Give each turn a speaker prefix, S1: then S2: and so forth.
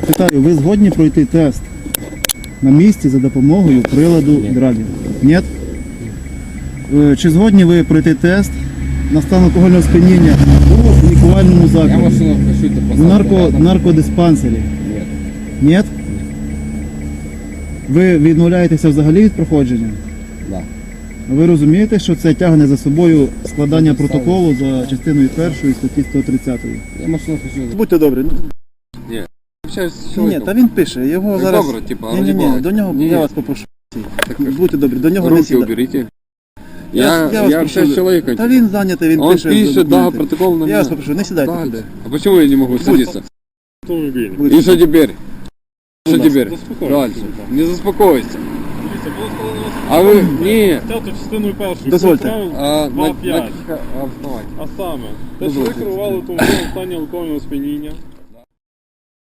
S1: Питаю, ви згодні пройти тест на місці за допомогою приладу драгер? Ні? Чи згодні ви пройти тест на стан алкогольного сп'яніння у лікувальному
S2: Я
S1: закладі?
S2: машину хочу
S1: В наркодиспансері?
S2: Нет.
S1: Ні? Ви відмовляєтеся взагалі від проходження?
S2: Да.
S1: Ви розумієте, що це тягне за собою складання протоколу за частиною 1 статті 130?
S2: Я машину хочу...
S1: Будьте добрі.
S2: Общаюсь с
S1: Ні,
S2: человеком.
S1: та він пише, його
S2: Так
S1: зараз...
S2: добре, типа,
S1: Ні, до нього
S2: Ні.
S1: я вас попрошу.
S2: Так,
S1: Будьте добрі, до нього не
S2: руки
S1: сідайте.
S2: уберите.
S1: Я вас
S2: Я
S1: прошу,
S2: общаюсь с человеком.
S1: Та він зайнятий, він
S2: Он
S1: пише.
S2: пишет, да,
S1: документи.
S2: протокол на
S1: Я
S2: меня.
S1: вас попрошу, не сідайте.
S2: Далее. А почему я не могу садиться?
S3: Автомобіль.
S1: Будь-
S2: И что теперь? Что
S1: ласка,
S2: теперь?
S3: заспокойтесь.
S2: Дальше. Не заспокойся.
S3: Дивіться, було сказано
S2: А вы... Не.
S3: статтю частиною першою.
S1: Дозвольте.
S3: Правил
S2: А, на
S3: 2.5.
S2: каких основаниях?
S3: А саме, те, що ви керували автомобілем в стані алкогольного сп'яніння,